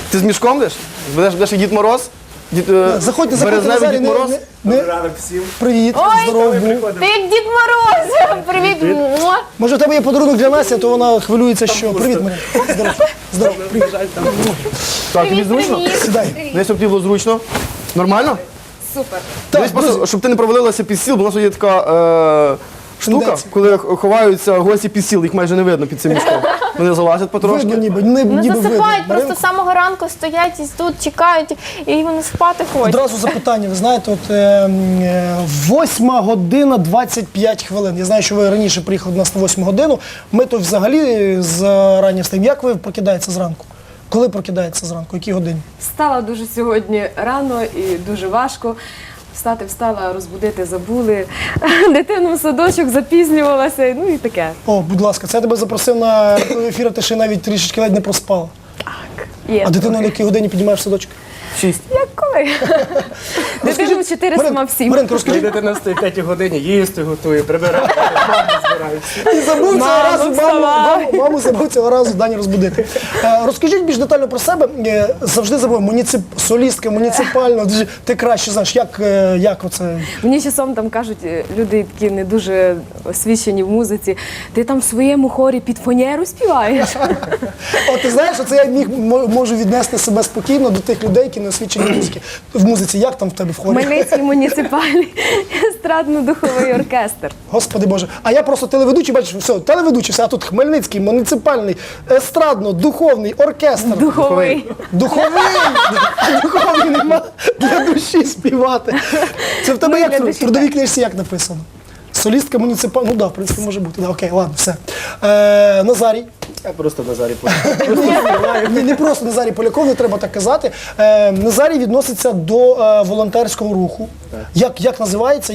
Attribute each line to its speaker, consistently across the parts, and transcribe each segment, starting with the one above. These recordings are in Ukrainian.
Speaker 1: Ти з мішком йдеш? Будеш як Дід Мороз?
Speaker 2: Заходьте,
Speaker 1: Березневий
Speaker 2: Назарій,
Speaker 1: Дід Мороз?
Speaker 3: Ранок всім.
Speaker 2: Привіт, здоров був.
Speaker 4: Ти як Дід Мороз! Привіт! Муа.
Speaker 2: Може, в тебе є подарунок для Насті, то вона хвилюється, що... Привіт, Марина. Здоров, привіт.
Speaker 1: Так, тобі зручно?
Speaker 4: Привіт!
Speaker 2: Сідай.
Speaker 1: Десь тобі було зручно? Нормально?
Speaker 4: Супер!
Speaker 1: Дивись, просто, щоб ти не провалилася під стіл, бо у нас є така штука,
Speaker 2: Тенденція.
Speaker 1: коли ховаються гості під стіл, їх майже не видно під цим мішком. Вони залазять потрошки.
Speaker 2: Видно ніби,
Speaker 4: Ну
Speaker 2: ніби видно.
Speaker 4: засипають, просто
Speaker 2: Маринко,
Speaker 4: з самого ранку стоять і тут чекають, і вони спати хочуть.
Speaker 2: одразу запитання. Ви знаєте, от 8 година 25 хвилин. Я знаю, що ви раніше приїхали до нас на 8 годину. Ми то взагалі зарані встаємо. Як ви прокидаєтеся зранку? Коли прокидаєтеся зранку? Які годині?
Speaker 5: Встала дуже сьогодні рано і дуже важко. Встала, розбудити забули. Дитину в садочок запізнювалася, ну і таке.
Speaker 2: О, будь ласка, це я тебе запросив на ефір, а ти ще навіть трішечки ледь не проспала.
Speaker 5: Є.
Speaker 2: А дитину на якій годині піднімаєш в садочок?
Speaker 1: 6.
Speaker 5: Як коли? Дитину в 4 сама в 7.
Speaker 2: Маринко, розкажи.
Speaker 3: Дитина стоїть в 5 годині, їсти готує, прибирає, мама збирається.
Speaker 2: І забув цього
Speaker 5: Мамо,
Speaker 2: разу
Speaker 5: вставай.
Speaker 2: маму забув цього разу Дані розбудити. Розкажіть більш детально про себе. Завжди забув, солістка муніципальна. Ти краще знаєш, як оце?
Speaker 5: Мені часом там кажуть, люди такі не дуже освічені в музиці, ти там в своєму хорі під фанеру співаєш.
Speaker 2: От ти знаєш, оце я можу віднести себе спокійно до тих людей, які не освічені в музиці. Як там в тебе в хорі?
Speaker 5: Хмельницький муніципальний естрадно-духовий оркестр.
Speaker 2: Господи Боже. А я просто телеведучий, бачиш, все, телеведучий, все, а тут Хмельницький муніципальний естрадно-духовний оркестр.
Speaker 5: Духовий.
Speaker 2: Духовий! А духовий нема для душі співати. Це в тебе
Speaker 5: Ну,
Speaker 2: як
Speaker 5: для
Speaker 2: в
Speaker 5: душі
Speaker 2: трудовій книжці як написано? Солістка муніципальна, ну так, в принципі, може бути. Да, окей, ладно, все. Назарій.
Speaker 3: Я просто Назарій
Speaker 2: Ні, не просто Назарій Поляков, не треба так казати. Назарій відноситься до волонтерського руху. Як називається?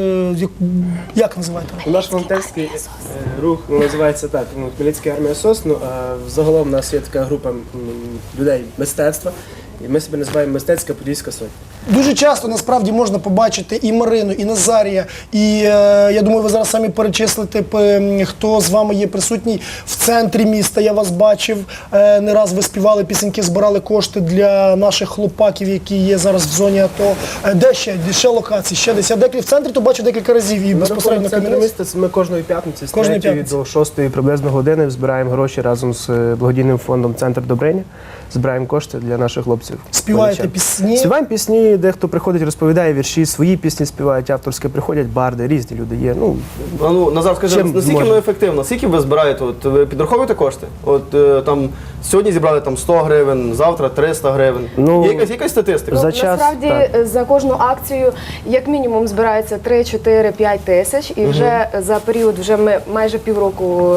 Speaker 2: Як називаєте?
Speaker 3: Наш волонтерський рух називається так, Хмельницька армія СОС. Загалом у нас є така група людей мистецтва. І ми себе називаємо Мистецька Подільська Сотня.
Speaker 2: Дуже часто насправді можна побачити і Марину, і Назарія, і я думаю, ви зараз самі перечислите, хто з вами є присутній в центрі міста. Я вас бачив, не раз ви співали пісеньки, збирали кошти для наших хлопаків, які є зараз в зоні АТО. Де ще локації? Ще десь. Я в центрі то бачу декілька разів і безпосередньо
Speaker 3: в центрі
Speaker 2: Кам'янець.
Speaker 3: міста ми кожної п'ятниці з
Speaker 2: Кожної
Speaker 3: 3
Speaker 2: п'ятниці.
Speaker 3: до 6 приблизно години збираємо гроші разом з благодійним фондом «Центр Добриня». Збираємо кошти для наших хлопців.
Speaker 2: Співаєте пісні?
Speaker 3: Співаємо пісні, дехто приходить, розповідає вірші, свої пісні співають, авторські приходять, барди, різні люди є.
Speaker 1: Назар, скажи,
Speaker 3: Чим
Speaker 1: наскільки
Speaker 3: можна?
Speaker 1: воно ефективно? Скільки ви збираєте? От, ви підраховуєте кошти? От там сьогодні зібрали там 100 гривень, завтра 300 гривень.
Speaker 3: Ну,
Speaker 1: Є якась статистика?
Speaker 3: за час,
Speaker 5: Насправді за кожну акцію як мінімум збирається 3, 4, 5 тисяч. І вже за період, вже ми майже півроку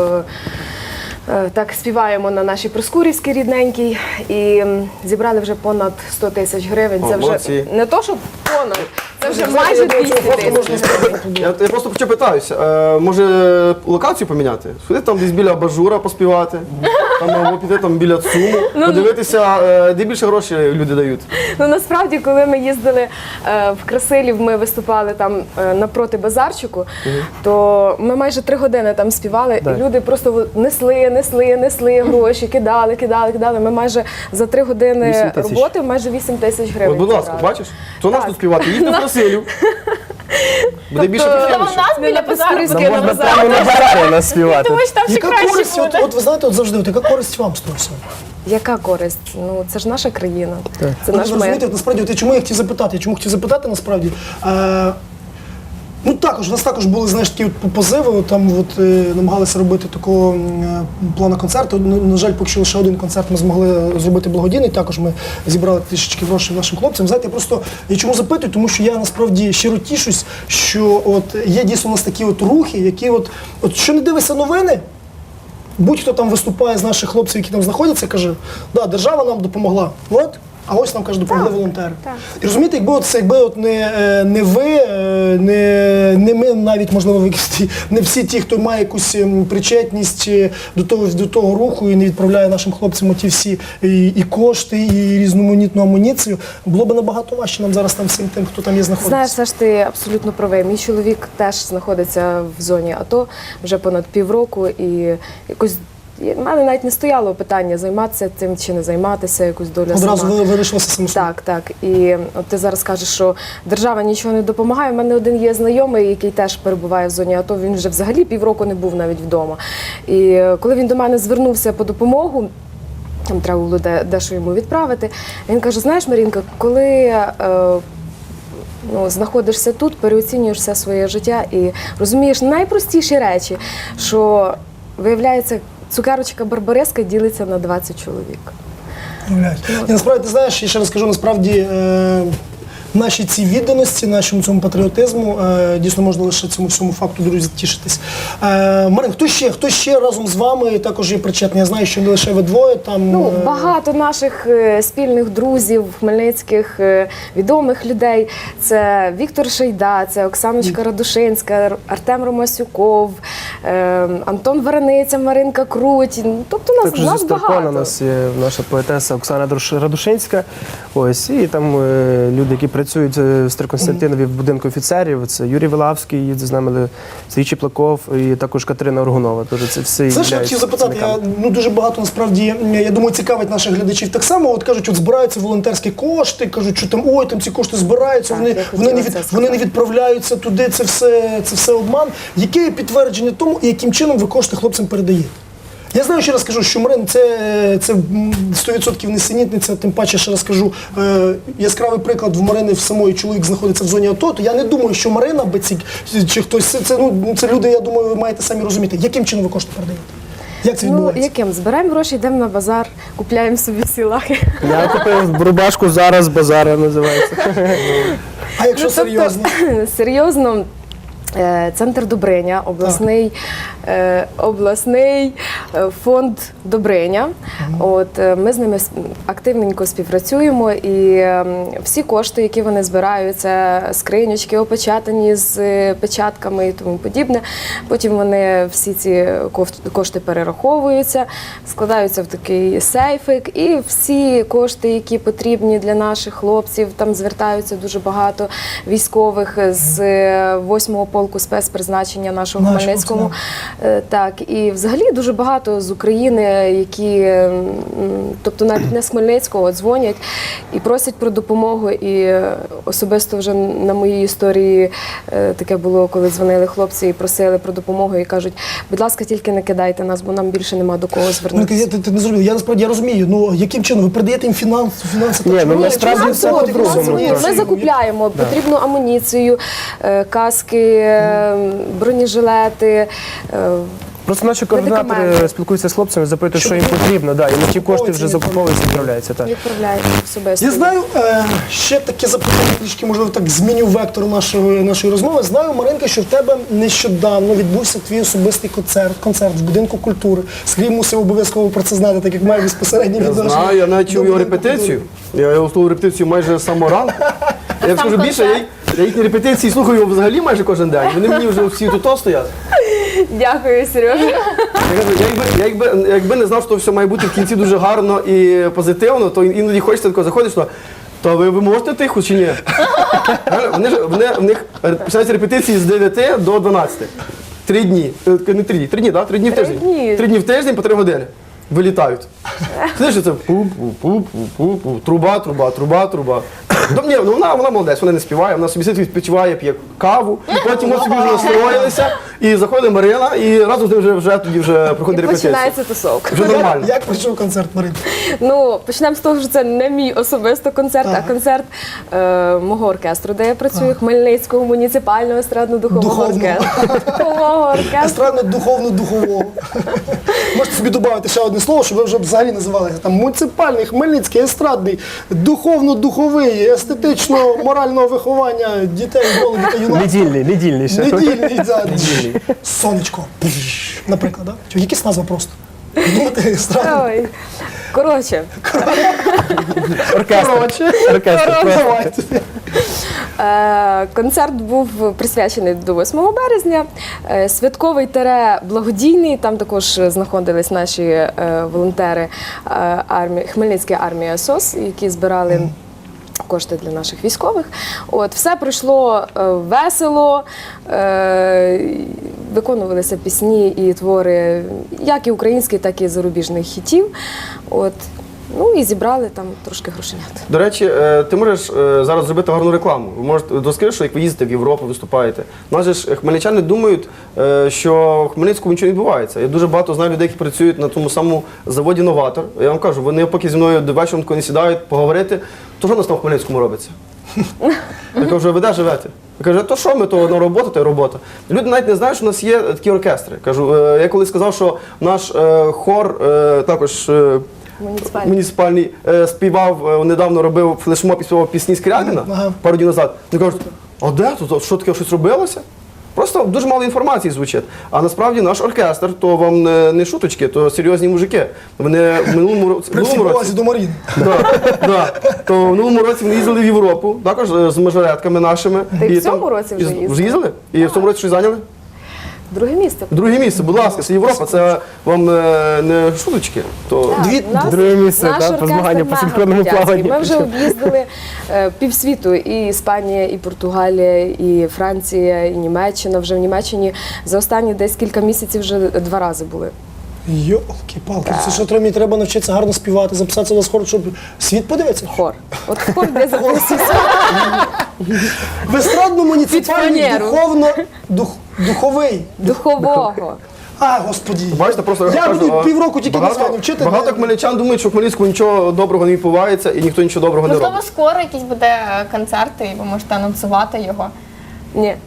Speaker 5: так співаємо на нашій Проскурівській рідненькій. І зібрали вже понад 100 тисяч гривень.
Speaker 1: О,
Speaker 5: Це вже
Speaker 1: молодці.
Speaker 5: не то, що понад, це вже майже 200 тисяч.
Speaker 1: Я просто питаюся, може локацію поміняти? Сходити там десь біля абажура поспівати, там, або піти там біля ЦУМу, подивитися, де більше грошей люди дають.
Speaker 5: Ну насправді, коли ми їздили в Красилів, ми виступали там напроти базарчику, то ми майже 3 години там співали, і люди просто несли гроші, кидали. Ми майже за 3 години
Speaker 3: 8 тисяч.
Speaker 5: роботи майже 8 тисяч гривень.
Speaker 1: От, будь ласка,
Speaker 5: зібрали.
Speaker 1: бачиш? То наш
Speaker 5: Так.
Speaker 1: тут співати, їдьте в Красилів. Буде більше
Speaker 4: Там у
Speaker 1: підтримуючи.
Speaker 4: нас біля базару.
Speaker 5: Проскурівській на базарі.
Speaker 3: прямо на базарі нас співати.
Speaker 4: Думаєш, там ще
Speaker 2: Яка
Speaker 4: краще
Speaker 2: користь,
Speaker 4: буде.
Speaker 2: от ви знаєте, от завжди, яка користь вам з того всього?
Speaker 5: Яка користь? Ну це ж наша країна, це
Speaker 2: Ну,
Speaker 5: наш мир.
Speaker 2: розумієте, насправді, от я чому я хотів запитати? Чому хотів запитати, насправді? Ну також, у нас також були, знаєш, такі от позиви, от, там от, намагалися робити такого плану концерту. На жаль, поки що лише один концерт ми змогли зробити благодійний, також ми зібрали трішечки грошей нашим хлопцям. Знаєте, я чому запитую, тому що я насправді щиро тішусь, що от є дійсно у нас такі от рухи, які от що не дивишся новини, будь-хто там виступає з наших хлопців, які там знаходяться, каже, да, держава нам допомогла, от, а ось нам, каже, допомогли волонтери. І розумієте, якби от не ви, не ми, навіть, можливо, не всі ті, хто має якусь причетність до того руху і не відправляє нашим хлопцям ті всі і кошти, і різноманітну амуніцію, було б набагато важче нам зараз там всім тим, хто там є знаходиться.
Speaker 5: Знаєш, все ж ти абсолютно правий. Мій чоловік теж знаходиться в зоні АТО вже понад півроку і якось в мене навіть не стояло питання, займатися цим чи не займатися, якусь долю
Speaker 2: Одразу
Speaker 5: сама.
Speaker 2: ви вирішилися самостійно.
Speaker 5: Так. І от ти зараз кажеш, що держава нічого не допомагає. У мене один є знайомий, який теж перебуває в зоні АТО, він вже взагалі півроку не був навіть вдома. І коли він до мене звернувся по допомогу, там треба було дещо йому відправити, він каже, знаєш, Марінка, коли знаходишся тут, переоцінюєш все своє життя і розумієш найпростіші речі, що, виявляється, цукерочка Барбареска ділиться на 20 чоловік.
Speaker 2: Уявляєш. І насправді, ти знаєш, я ще раз кажу, насправді нашій цій відданості, нашому цьому патріотизму, дійсно можна лише цьому всьому факту, друзі, тішитись. Марин, хто ще разом з вами також є причетний? Я знаю, що не лише ви двоє там.
Speaker 5: Багато наших спільних друзів, хмельницьких відомих людей. Це Віктор Шейда, це Оксаночка Радушинська, Артем Ромасюков, Антон Варениця, Маринка Круть. Тобто нас
Speaker 3: зі
Speaker 5: багато.
Speaker 3: Старпана у нас є наша поетеса Оксана Радушинська. Ось, і там люди, які працюють в Староконстантинові в будинку офіцерів. Це Юрій Вилавський, їздить з нами, Сергій Чеплаков і також Катерина Оргунова. Тож це всі
Speaker 2: Це ж я хотів запитати, дуже багато насправді, я думаю, цікавить наших глядачів так само. От кажуть, от збираються волонтерські кошти, кажуть, що там ці кошти збираються, вони не відправляються туди, це все обман. Яке є підтвердження тому, і яким чином ви кошти хлопцям передаєте? Я знаю, ще раз кажу, що Марин це 100% несенітниця, тим паче, ще раз кажу, яскравий приклад в Марини в самої чоловік знаходиться в зоні АТО, то я не думаю, що Марина, чи хтось, це люди, я думаю, ви маєте самі розуміти, яким чином ви кошти передаєте? Як це відбувається?
Speaker 5: Яким? Збираємо гроші, йдемо на базар, купляємо собі всі лахи.
Speaker 3: Я купив рубашку «Зараз базара» називається.
Speaker 2: А якщо серйозно?
Speaker 5: Серйозно, Центр Добриня, обласний фонд Добриня. Ми з ними активненько співпрацюємо, і всі кошти, які вони збирають, це скриньочки опечатані з печатками і тому подібне. Потім вони всі ці кошти перераховуються, складаються в такий сейфик, і всі кошти, які потрібні для наших хлопців, там звертаються дуже багато військових з 8-го полку спецпризначення нашого Хмельницького. Так, і взагалі дуже багато з України, які, тобто навіть не з Хмельницького, дзвонять і просять про допомогу. І особисто вже на моїй історії таке було, коли дзвонили хлопці і просили про допомогу, і кажуть, будь ласка, тільки не кидайте нас, бо нам більше нема до кого звернутися.
Speaker 2: Ти не зрозумів, я насправді розумію, яким чином? Ви передаєте їм фінанси?
Speaker 3: Насправді все по-другому.
Speaker 5: Ми закупляємо потрібну амуніцію, каски, бронежилети.
Speaker 3: Просто наші координатори спілкуються з хлопцями, запитують, що їм потрібно, і на ті кошти вже закуповуються і відправляються.
Speaker 5: Відправляють особисто.
Speaker 2: Я знаю, ще таке запитання, трішки, можливо, так зміню вектор нашої розмови. Знаю, Маринка, що в тебе нещодавно відбувся твій особистий концерт в будинку культури. Сергій мусив обов'язково про це знати, так як має безпосередньо відношення.
Speaker 1: Я знаю, я навіть чув його репетицію. Я його слухав репетицію майже з самого ранку. Я скажу більше, я їхні репетиції слухаю взагалі майже кожен день. Вони мені вже всі тут стоять.
Speaker 5: Дякую, Сережа.
Speaker 1: Якби не знав, що все має бути в кінці дуже гарно і позитивно, то іноді хочеться такого заходиш, то ви можете тихо чи ні? В них починаються репетиції з 9 до 12. 3 дні. Не 3 дні, 3 дні, так? 3 дні в тиждень. 3 дні в тиждень по 3 години. Вилітають. Знаєш, це пу-пу-пу-пу-пу, труба, труба, труба, труба. Ні, вона молодець, вона не співає, вона собі сидить, відпочиває, п'є каву, потім ми собі вже настроїлися, і заходить Марина, і разом з ним вже тоді проходить репетиція.
Speaker 5: Починається тусовка.
Speaker 1: Вже нормально.
Speaker 2: Як пройшов концерт, Марин?
Speaker 5: Почнемо з того, що це не мій особисто концерт, а концерт мого оркестру, де я працюю, Хмельницького муніципального естрадно-духового оркестру.
Speaker 2: Естрадно-духовно-духового. Можете собі додати ще одне слово, щоб ви вже взагалі називалися. Там муніципальний, Хмельницький, естрадний, духовно-духовий, естетично-морального виховання дітей, молоді та юнацтва.
Speaker 3: Недільний ще.
Speaker 2: Недільний, так. Сонечко. Наприклад, так? Якісь назва просто. Думати, естрадний.
Speaker 5: Ой. Коротше.
Speaker 3: Оркестр.
Speaker 5: Концерт був присвячений до 8 березня. Святковий благодійний. Там також знаходились наші волонтери Хмельницької армії СОС, які збирали кошти для наших військових. Все пройшло весело. виконувалися пісні і твори як і українських, так і зарубіжних хітів. От. Ну і зібрали там трошки грошенят.
Speaker 1: До речі, ти можеш зараз зробити гарну рекламу. Ви можете розкажи, що як ви їздите в Європу, виступаєте. У нас же ж хмельничани думають, що в Хмельницькому нічого не відбувається. Я дуже багато знаю людей, які працюють на тому самому заводі «Новатор». Я вам кажу, вони поки зі мною до вечора не сідають поговорити, то що у нас там в Хмельницькому робиться? Я кажу, ви де живете? Я кажу, то що ми, то одна робота, то й робота. Люди навіть не знають, що у нас є такі оркестри. Кажу, я коли сказав, що наш хор також муніципальний співав, недавно робив флешмоб і співав пісні Скрябіна пару днів назад. Вони кажуть, а де тут? Що таке, щось робилося? Просто дуже мало інформації звучить. А насправді наш оркестр, то вам не шуточки, то серйозні мужики. Вони в минулому році...
Speaker 2: При всій повазі до Маріни.
Speaker 1: То в минулому році вони їздили в Європу, також з мажоретками нашими.
Speaker 5: Та й
Speaker 1: І
Speaker 5: в цьому
Speaker 1: там-
Speaker 5: році вже їздили.
Speaker 1: Вже їздили? І в цьому році щось зайняли?
Speaker 5: Друге місце.
Speaker 1: Друге місце, будь ласка, це Європа, це вам не шуточки. То...
Speaker 3: Друге місце,
Speaker 5: наш
Speaker 3: так, по
Speaker 5: оркестр
Speaker 3: змаганням по
Speaker 5: мега
Speaker 3: синхронному
Speaker 5: крутяцький.
Speaker 3: плаванню.
Speaker 5: Ми вже об'їздили півсвіту, і Іспанія, і Португалія, і Франція, і Німеччина. Вже в Німеччині за останні десь кілька місяців вже 2 рази були.
Speaker 2: Йолки-палки, це що мені треба навчитися гарно співати, записатися на хор, щоб світ подивиться?
Speaker 5: Хор. От хор де записувався.
Speaker 2: В естрадно-муніципальний
Speaker 5: Під фанеру.
Speaker 2: духовий.
Speaker 5: Духового.
Speaker 2: А, господі.
Speaker 1: Бачите, просто
Speaker 2: Я
Speaker 1: кажу,
Speaker 2: буду півроку тільки названо вчити.
Speaker 1: Багато хмельничан думають, що в Хмельницькому нічого доброго не відбувається і ніхто нічого доброго не
Speaker 4: Можливо,
Speaker 1: робить.
Speaker 4: скоро якийсь буде концерт, і ви можете анонсувати його.
Speaker 5: Ні.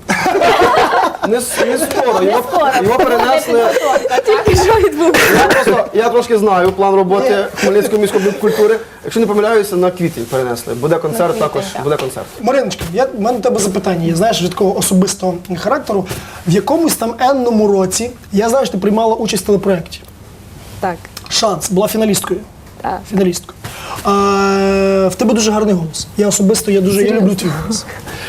Speaker 1: Не скоро, його перенесли.
Speaker 5: Тільки що відбулося.
Speaker 1: Я трошки знаю план роботи Хмельницької міської культури. Якщо не помиляюся, на квітень перенесли. Буде концерт,
Speaker 4: квітень,
Speaker 1: також
Speaker 4: так.
Speaker 1: буде концерт.
Speaker 2: Мариночка, в мене до тебе запитання, є, знаєш, від такого особистого характеру. В якомусь там енному році, я знаю, що ти приймала участь в телепроєкті.
Speaker 5: Так.
Speaker 2: «Шанс», була фіналісткою.
Speaker 5: Так.
Speaker 2: Фіналісткою. В тебе дуже гарний голос. Я особисто я люблю твій голос.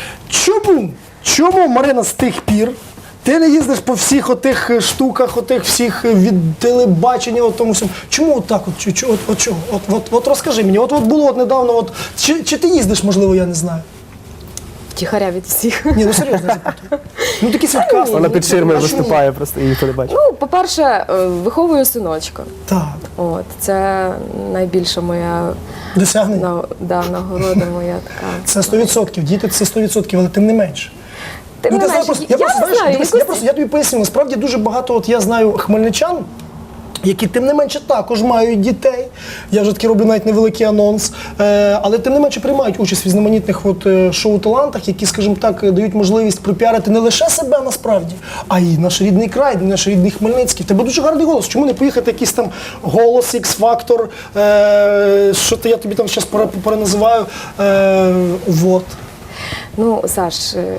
Speaker 2: Чому, Марина, з тих пір ти не їздиш по всіх отих штуках, отих всіх від телебачення, от тому всьому? Чому от так? От чого? От розкажи мені. От було недавно, чи ти їздиш, можливо, я не знаю.
Speaker 5: Тихаря від всіх.
Speaker 2: Ні, ну серйозно запитую. Ну такі свідка.
Speaker 3: Вона під ширмою
Speaker 2: А чому?
Speaker 3: виступає, просто її ніхто не бачить.
Speaker 5: Ну, по-перше, виховую синочка.
Speaker 2: Так,
Speaker 5: От, це найбільша моя
Speaker 2: досягнення.
Speaker 5: нагорода моя така.
Speaker 2: Це 100%. Діти це 100%, але тим не менше.
Speaker 5: Тим не менше,
Speaker 2: я
Speaker 5: не знаю, якось-
Speaker 2: тобі поясню, насправді дуже багато, от я знаю хмельничан, які тим не менше також мають дітей. Я вже таки роблю навіть невеликий анонс. Але тим не менше приймають участь в різноманітних шоу-талантах, які, скажімо так, дають можливість пропіарити не лише себе насправді, а й наш рідний край, наш рідний Хмельницький. В тебе дуже гарний голос. Чому не поїхати якийсь там голос, X-фактор, що я тобі там зараз переназиваю. Вот.
Speaker 5: Ну, Саш,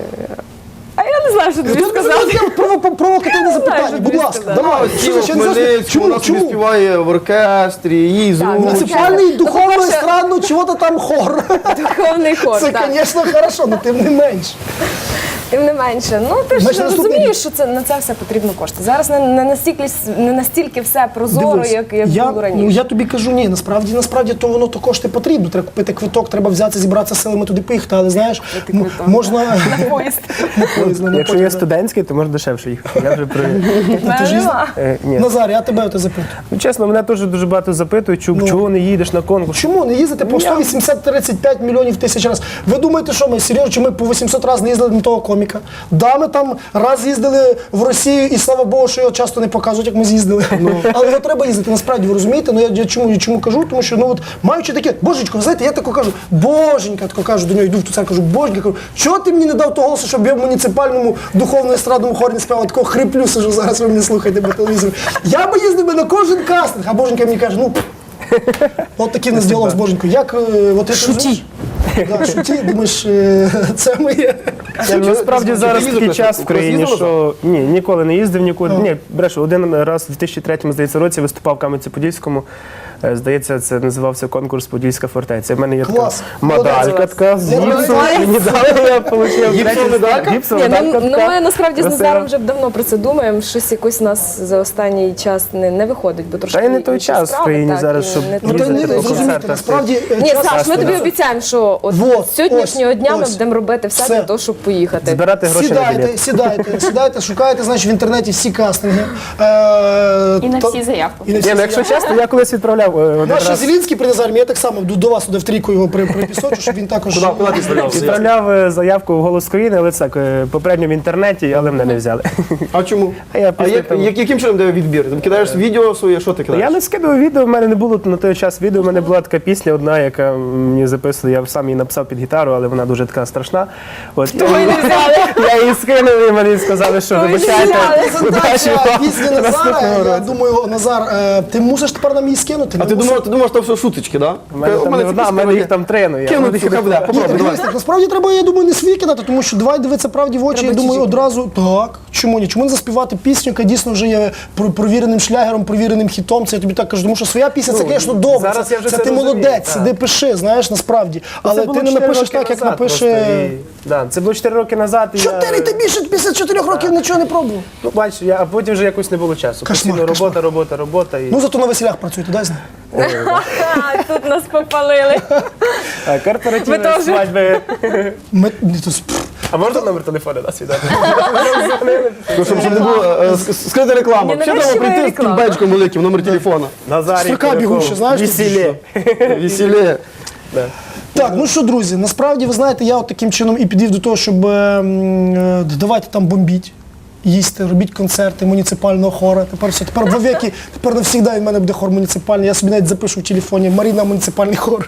Speaker 5: а я не знаю, що тобі сказати.
Speaker 2: Провокативне запитання, будь ласка. Давай.
Speaker 1: Тіло в Хмельницькому, вона собі співає в оркестрі, їй зручно.
Speaker 2: Муніципальний, духовний, естрадно, чого-то там хор.
Speaker 5: Духовний хор,
Speaker 2: Це,
Speaker 5: так.
Speaker 2: звісно, хорошо, але тим не менше.
Speaker 5: Тим не менше. Ну, ти
Speaker 2: Значить,
Speaker 5: ж
Speaker 2: наступний
Speaker 5: розумієш, що на це все потрібно кошти. Зараз не настільки все прозоро,
Speaker 2: Дивись,
Speaker 5: як було раніше.
Speaker 2: Ну, я тобі кажу, ні, насправді то воно то кошти потрібно. Треба купити квиток, треба взятися, зібратися силами туди поїхати, але знаєш,
Speaker 5: квиток.
Speaker 2: можна...
Speaker 5: На поїзд.
Speaker 2: На поїзд, на
Speaker 3: Якщо
Speaker 2: потяг,
Speaker 3: є
Speaker 2: да.
Speaker 3: студентський, то можна дешевше їхати. Я вже при...
Speaker 2: Ти ж їздив?
Speaker 3: Ні.
Speaker 2: Назар, я тебе запитую.
Speaker 3: Ну, чесно, мене теж дуже багато запитують, чого не їдеш на конкурс.
Speaker 2: Чому не їздити по 180-35 мільйонів тисяч разів? Ви думаєте, що ми серйозно, чи ми по 800 разів не їздили на того коміка? Да, ми там раз їздили в Росію, і слава Богу, що його часто не показують, як ми з'їздили. Але його треба їздити, насправді, ви розумієте? Ну я чому кажу? Тому що, маючи таке, божечко, ви знаєте, я тако кажу, боженька, тако кажу, до нього йду в ту церкву, кажу, боженька, кажу, чого ти мені не дав того голосу, щоб я в муніципальному духовно-естрадному хорі не співав? Такого хриплю сижу, зараз ви мене слухаєте по телевізору. Я би їздив би на кожен кастинг, а боженька мені каже, от такий в нас діалог з боженькою. Як, шуті. Да, шуті, думаєш, це моє.
Speaker 3: Насправді зараз
Speaker 1: їздив
Speaker 3: такий
Speaker 1: на
Speaker 3: час в
Speaker 1: штуку?
Speaker 3: країні,
Speaker 1: Їздила
Speaker 3: що ні, ніколи не їздив нікуди. Ні, брешу, один раз в 2003, здається, році виступав в Кам'янці-Подільському. Здається, це називався конкурс «Подільська фортеця». У мене є така
Speaker 2: Клас.
Speaker 3: медалька така з гіпсу. Мені дали, я отримав
Speaker 1: Гіпсова медалька?
Speaker 3: Гіпсова
Speaker 5: Ні,
Speaker 3: медалька
Speaker 5: ну
Speaker 3: така.
Speaker 5: ми насправді з
Speaker 3: Красива.
Speaker 5: Назаром вже давно про це думаємо. Щось якось у нас за останній час не виходить, бо трошки
Speaker 3: Та й не той
Speaker 5: інші
Speaker 3: час в
Speaker 5: справи,
Speaker 3: країні
Speaker 5: так,
Speaker 3: зараз,
Speaker 5: і
Speaker 3: щоб
Speaker 5: не
Speaker 2: Ну,
Speaker 5: той
Speaker 2: то
Speaker 3: їздити
Speaker 2: ні,
Speaker 3: по
Speaker 2: зрозумійте,
Speaker 3: концертах.
Speaker 2: насправді...
Speaker 5: Ні,
Speaker 2: час-
Speaker 5: Саш, ми тобі обіцяємо, що от
Speaker 2: Вот,
Speaker 5: з сьогоднішнього
Speaker 2: ось,
Speaker 5: дня ми
Speaker 2: ось.
Speaker 5: будемо робити все
Speaker 2: Все.
Speaker 5: для того, щоб поїхати.
Speaker 3: Збирати гроші на білет.
Speaker 2: Сідайте, шукаєте, значить, в інтернеті всі кастинги.
Speaker 4: І на всі заявку.
Speaker 2: І на всі
Speaker 3: Ні, ну, якщо
Speaker 2: заявки.
Speaker 3: чесно, я колись відправляв один
Speaker 2: Наш
Speaker 3: раз.
Speaker 2: Зелінський при Назармі, я так само до вас туди в трійку його припісочу, щоб він також...
Speaker 1: Куди ти стрілявся?
Speaker 3: Відправляв заявку в «Голос країни», але так, попередньо в інтернеті, але мене не взяли.
Speaker 1: А чому?
Speaker 3: А я
Speaker 1: А
Speaker 3: після того-
Speaker 1: яким чином дає відбір? Ти кидаєш відео своє, що ти кидаєш?
Speaker 3: Я не скидував відео, в мене не було на той час відео, в мене була така пісня одна, яка мені записували, я сам її написав під гітару, але вона дуже така страшна. От, я її скинув і мені сказали, що вибачайте, удачі
Speaker 2: Презентація
Speaker 3: вам
Speaker 2: пісні Назара,
Speaker 3: наступного
Speaker 2: я
Speaker 3: року.
Speaker 2: думаю, Назар, ти мусиш тепер нам її скинути?
Speaker 1: А ти думав, що це все шуточки, так?
Speaker 3: У мене там не одна, в мене їх там три, ну я
Speaker 1: Кинуть сюди буде, попробуй, давай.
Speaker 2: Дивись, так, насправді треба, я думаю, не свій кидати, тому що давай дивитися правді в очі, я думаю, одразу, так, чому ні? Чому не заспівати пісню, яка дійсно вже є провіреним шлягером, провіреним хітом, це я тобі так кажу, тому що своя пісня, це, звісно, добре,
Speaker 3: зараз я вже
Speaker 2: це
Speaker 3: це
Speaker 2: ти
Speaker 3: розумію,
Speaker 2: молодець,
Speaker 3: так.
Speaker 2: сиди, пиши, знаєш, насправді, але
Speaker 3: Це було
Speaker 2: ти не
Speaker 3: 4
Speaker 2: напишеш
Speaker 3: роки
Speaker 2: так, як
Speaker 3: назад просто,
Speaker 2: напише...
Speaker 3: да, це було 4 роки назад. І
Speaker 2: 4, ти більше після 4 років нічого не пробував.
Speaker 3: Ну, бачиш, а потім вже якось не було часу.
Speaker 2: Кошмар,
Speaker 3: Постійно робота. І...
Speaker 2: Ну, зато на весілях працюєте, дай знати.
Speaker 5: Тут нас попалили.
Speaker 3: корпоративні
Speaker 5: Ви теж?
Speaker 3: свадьби.
Speaker 2: Пф.
Speaker 3: А можна номер телефону нас віддати?
Speaker 1: Ну, щоб не було скрита реклама.
Speaker 5: Ні,
Speaker 1: Ще
Speaker 5: навіщо
Speaker 1: треба прийти з
Speaker 5: реклама?
Speaker 1: тим бечком великим, номер телефона.
Speaker 3: Назарій
Speaker 2: Строка
Speaker 3: Куликов.
Speaker 2: бігуча, знаєш,
Speaker 3: Весілє.
Speaker 1: Весілє.
Speaker 2: Так, ну що, друзі, насправді, ви знаєте, я от таким чином і підвів до того, щоб давайте там бомбіть, їсти, робіть концерти муніципального хора. Тепер все, тепер вовеки, тепер навсігда в мене буде хор муніципальний. Я собі навіть запишу в телефоні Маріна муніципальний хор.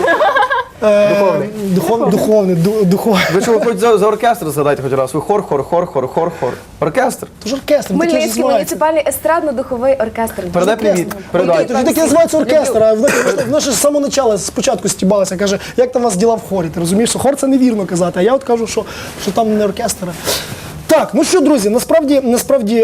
Speaker 2: Духовний. Духовний.
Speaker 1: Ви що, ви хоч за оркестр згадайте хоч раз? Ви хор. Оркестр.
Speaker 2: Тож оркестр, таке ж
Speaker 5: Хмельницький
Speaker 2: називається.
Speaker 5: муніципальний естрадно-духовий оркестр.
Speaker 1: Передай привіт. Передай.
Speaker 2: Тоді таке називається оркестр, а вона ж з самого початку, спочатку стібалася, каже, як там у вас діла в хорі, ти розумієш, що хор це невірно казати, а я от кажу, що там не оркестр. Так, ну що, друзі, насправді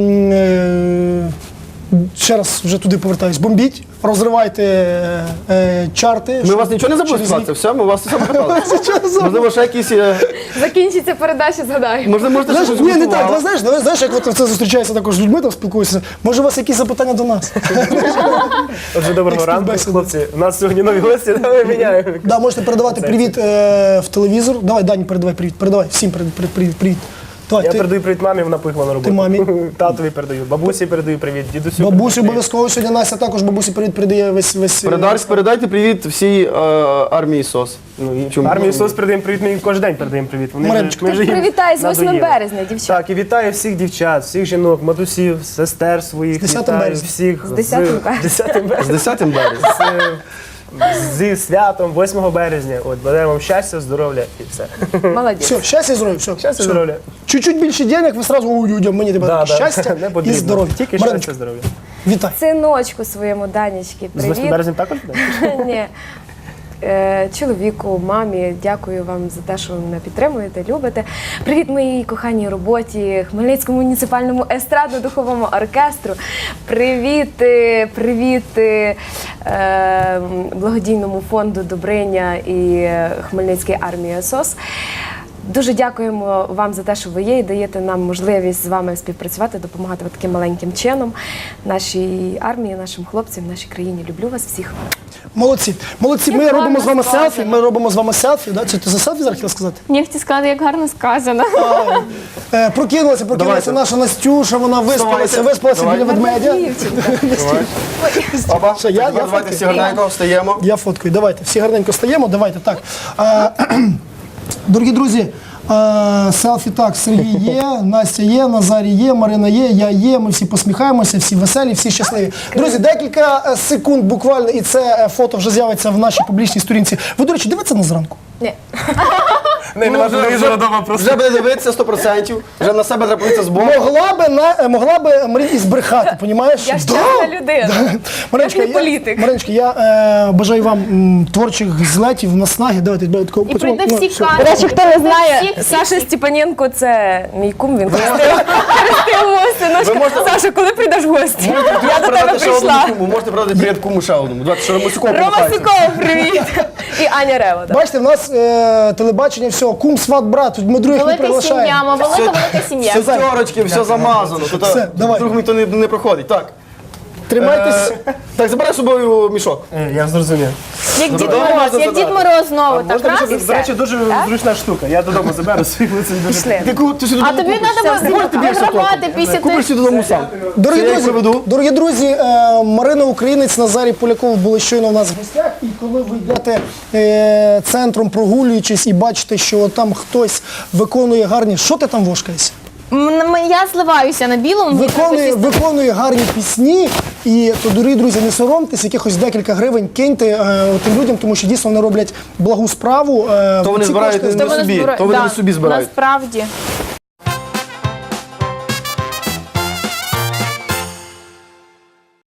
Speaker 2: ще раз вже туди повертаюсь, бомбіть, розривайте чарти.
Speaker 1: Ми вас нічого не забули сказати, все, ми вас все питали. Можливо, ще якісь...
Speaker 5: Закінчиться передача, згадаємо.
Speaker 1: Можете
Speaker 2: Знаєш,
Speaker 1: щось
Speaker 2: ні, не так,
Speaker 1: готували.
Speaker 2: знаєш, як от це зустрічається також з людьми, там спілкуюся. Може, у вас якісь запитання до нас?
Speaker 3: Отже, доброго ранку,
Speaker 2: співбесіда.
Speaker 3: хлопці. У нас сьогодні нові гості, давай міняємо.
Speaker 2: Да, можете передавати привіт в телевізор. Давай, Дані, передавай привіт. Передавай всім привіт. Давай,
Speaker 3: Я
Speaker 2: ти,
Speaker 3: передаю привіт мамі, вона поїхала на роботу.
Speaker 2: Ти мамі?
Speaker 3: Татові передаю, бабусі передаю привіт, дідусю.
Speaker 2: бабусі
Speaker 3: передаю привіт.
Speaker 2: обов'язково сьогодні Настя також бабусі привіт передає весь
Speaker 1: Передайте привіт всій армії СОС. Ну, і чому?
Speaker 3: Армії СОС передаємо привіт, ми їм кожен день передаємо привіт.
Speaker 2: Мариночка,
Speaker 3: ми вже їм
Speaker 5: Привітай з 8
Speaker 3: надоїли.
Speaker 5: березня, дівчата.
Speaker 3: Так, і вітаю всіх дівчат, всіх жінок, матусів, сестер своїх.
Speaker 2: З 10
Speaker 3: вітаю
Speaker 2: березня.
Speaker 3: всіх.
Speaker 5: З 10 березня.
Speaker 3: 10
Speaker 1: З
Speaker 3: березня.
Speaker 1: 10 березня.
Speaker 3: Зі святом 8 березня. От, бажаємо вам щастя, здоров'я і все.
Speaker 5: Молодець.
Speaker 2: Все, щастя і здоров'я, все.
Speaker 3: Щастя, здоров'я.
Speaker 2: Чуть-чуть більше денег, ви сразу у людям, мені тебе щастя
Speaker 3: не
Speaker 2: і
Speaker 3: потрібно.
Speaker 2: здоров'я.
Speaker 3: Тільки
Speaker 2: Мариночка,
Speaker 3: щастя, здоров'я.
Speaker 2: вітай.
Speaker 5: Синочку своєму Данечки,
Speaker 3: З 8
Speaker 5: привіт.
Speaker 3: березня також буде?
Speaker 5: Ні. Чоловіку, мамі, дякую вам за те, що ви мене підтримуєте, любите. Привіт моїй коханій роботі, Хмельницькому муніципальному естрадно-духовому оркестру. Привіт благодійному фонду Добриня і Хмельницькій армії СОС. Дуже дякуємо вам за те, що ви є і даєте нам можливість з вами співпрацювати, допомагати таким маленьким чином нашій армії, нашим хлопцям, нашій країні. Люблю вас всіх.
Speaker 2: Молодці. Молодці, ми
Speaker 4: Як
Speaker 2: робимо з вами
Speaker 4: гарно
Speaker 2: селфі,
Speaker 4: сказано.
Speaker 2: ми робимо з вами селфі. Да? Це ти за селфі зараз хотіла сказати?
Speaker 4: Мені хотів сказати, як гарно сказано.
Speaker 2: Прокинулася
Speaker 1: Давайте.
Speaker 2: наша Настюша, вона виспалася
Speaker 1: Давайте.
Speaker 2: біля ведмедя.
Speaker 1: Опа,
Speaker 2: Що, я
Speaker 1: давайте
Speaker 2: фоткаю?
Speaker 1: всі гарненько встаємо.
Speaker 2: Я фоткаю, давайте, всі гарненько стаємо, давайте, так. Дорогі друзі, селфі так, Сергій є, Настя є, Назарій є, Марина є, я є, ми всі посміхаємося, всі веселі, всі щасливі. Друзі, декілька секунд буквально, і це фото вже з'явиться в нашій публічній сторінці. Ви, до речі, дивіться на зранку?
Speaker 5: Ні.
Speaker 3: Нема телевізора вдома просто.
Speaker 1: Вже буде дивитися 100%, вже на себе треба подивитися з боку.
Speaker 2: Могла би Марія і збрехати, понімаєш?
Speaker 5: Я щасна людина.
Speaker 2: Мариночка,
Speaker 5: Я не політик.
Speaker 2: Мариночка, я бажаю вам творчих злетів, наснаги. Давайте, такого
Speaker 4: І прийде всі
Speaker 2: все.
Speaker 4: камери.
Speaker 5: До речі, хто не знає,
Speaker 4: Всіх-
Speaker 5: Саша Степаненко це мій кум, він хрестив мого синочка. Саша, коли прийдеш в гості? Я до тебе прийшла.
Speaker 1: Можете передати привіт куму ще одному. Давайте, що Ромасюков
Speaker 5: Рома
Speaker 1: помахається.
Speaker 5: Сіков, привіт. І Аня Рева. так.
Speaker 2: Бачите, в нас телебачення, все, кум, сват, брат, тут ми других не
Speaker 4: Велика сім'я,
Speaker 2: приглашаємо.
Speaker 4: велика сім'я.
Speaker 1: Все терочки, все замазано. Тут
Speaker 2: Все, давай.
Speaker 1: друг ніхто не проходить. Так.
Speaker 2: Тримайтесь.
Speaker 1: Так, забирай з собою мішок.
Speaker 3: Я зрозумів.
Speaker 4: Як Дід
Speaker 1: Додому
Speaker 4: Мороз,
Speaker 1: можна
Speaker 4: як Дід
Speaker 1: забрати.
Speaker 4: Мороз знову, так
Speaker 3: Можна,
Speaker 4: раз і
Speaker 3: до речі,
Speaker 4: все.
Speaker 3: дуже зручна штука. Я додому заберу свій лицей.
Speaker 5: Пішли.
Speaker 1: Ти сюди
Speaker 4: А тобі треба вигравати після
Speaker 1: Купиш
Speaker 4: тих.
Speaker 1: сюди додому сам.
Speaker 2: Дорогі
Speaker 1: Це я їх
Speaker 2: друзі,
Speaker 1: приведу.
Speaker 2: дорогі друзі, Марина Українець, Назарій Поляков були щойно у нас в гостях. І коли ви йдете центром, прогулюючись і бачите, що там хтось виконує гарні. Що ти там вошкаєшся?
Speaker 4: Я зливаюся на білому. мені треба сісти.
Speaker 2: Виконує гарні пісні. І то, дорогі друзі, не соромтесь, якихось декілька гривень киньте тим людям, тому що дійсно вони роблять благу справу.
Speaker 1: То вони
Speaker 2: Ці
Speaker 1: збирають
Speaker 2: кошти
Speaker 1: не собі, то вони
Speaker 4: да,
Speaker 1: не собі збирають.
Speaker 4: Насправді.